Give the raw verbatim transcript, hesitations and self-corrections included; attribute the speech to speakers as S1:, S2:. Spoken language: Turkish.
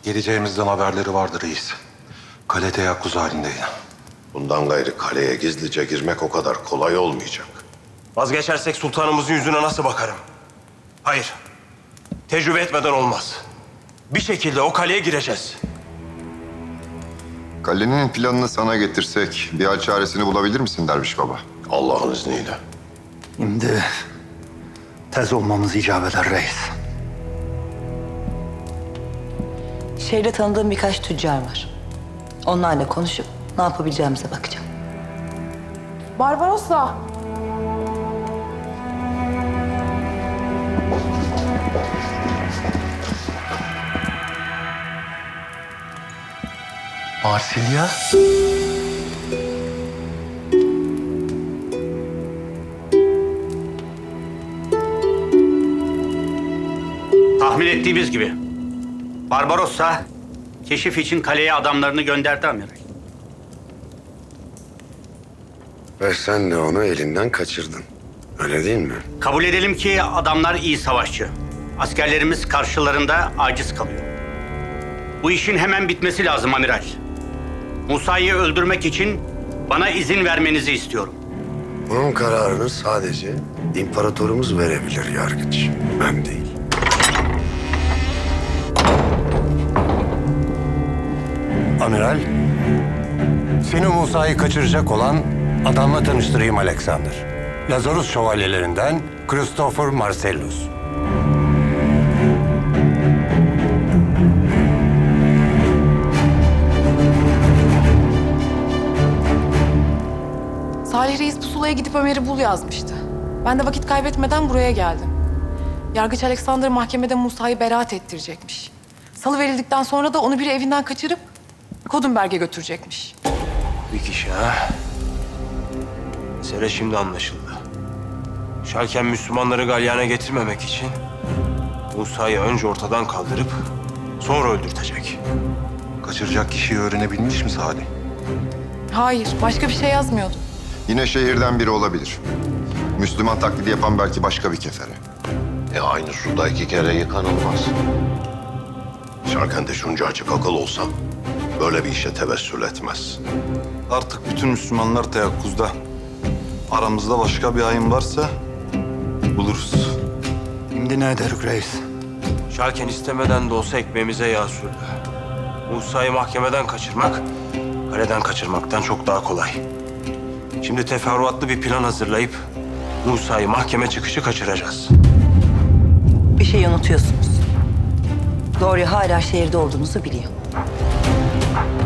S1: Geleceğimizden haberleri vardı reis. Kale teyakkuz halindeydi.
S2: Bundan gayrı kaleye gizlice girmek o kadar kolay olmayacak.
S3: Vazgeçersek sultanımızın yüzüne nasıl bakarım? Hayır. Tecrübe etmeden olmaz. Bir şekilde o kaleye gireceğiz.
S4: Kalenin planını sana getirsek bir hal çaresini bulabilir misin Derviş Baba?
S2: Allah'ın izniyle.
S5: Şimdi tez olmamız icap eder reis.
S6: Şehirde tanıdığım birkaç tüccar var. Onlarla konuşup ne yapabileceğimize bakacağım.
S7: Barbarossa.
S5: Marsilya?
S8: Tahmin ettiğimiz gibi. Barbarossa keşif için kaleye adamlarını gönderdi amiral.
S2: Ve sen de onu elinden kaçırdın. Öyle değil mi?
S8: Kabul edelim ki adamlar iyi savaşçı. Askerlerimiz karşılarında aciz kalıyor. Bu işin hemen bitmesi lazım amiral. Musa'yı öldürmek için bana izin vermenizi istiyorum.
S2: Bunun kararını sadece imparatorumuz verebilir yargıç. Ben değil.
S9: Amiral, seni Musa'yı kaçıracak olan adamla tanıştırayım Alexander. Lazarus şövalyelerinden Christopher Marcellus.
S7: Salih Reis pusulaya gidip Ömer'i bul yazmıştı. Ben de vakit kaybetmeden buraya geldim. Yargıç Alexander mahkemede Musa'yı beraat ettirecekmiş. Salı verildikten sonra da onu biri evinden kaçırıp Kodunberg'e götürecekmiş.
S3: Bir kişi ha. Mesele şimdi anlaşıldı. Şalken Müslümanları galyana getirmemek için Musa'yı önce ortadan kaldırıp sonra öldürtecek.
S1: Kaçıracak kişiyi öğrenebilmiş mi Salih?
S7: Hayır, başka bir şey yazmıyordu.
S4: Yine şehirden biri olabilir. Müslüman taklidi yapan belki başka bir kefere.
S2: E aynı suda iki kere yıkanılmaz. Şarkende şunca açık akıl olsa böyle bir işe tevessül etmez.
S10: Artık bütün Müslümanlar teyakkuzda. Aramızda başka bir hain varsa buluruz.
S5: Şimdi ne ederik reis?
S3: Şalken istemeden de olsa ekmeğimize yağ sürdü. Musa'yı mahkemeden kaçırmak, kaleden kaçırmaktan çok daha kolay. Şimdi teferruatlı bir plan hazırlayıp Musa'yı mahkeme çıkışı kaçıracağız.
S6: Bir şey unutuyorsunuz. Gloria hala şehirde olduğunuzu biliyor.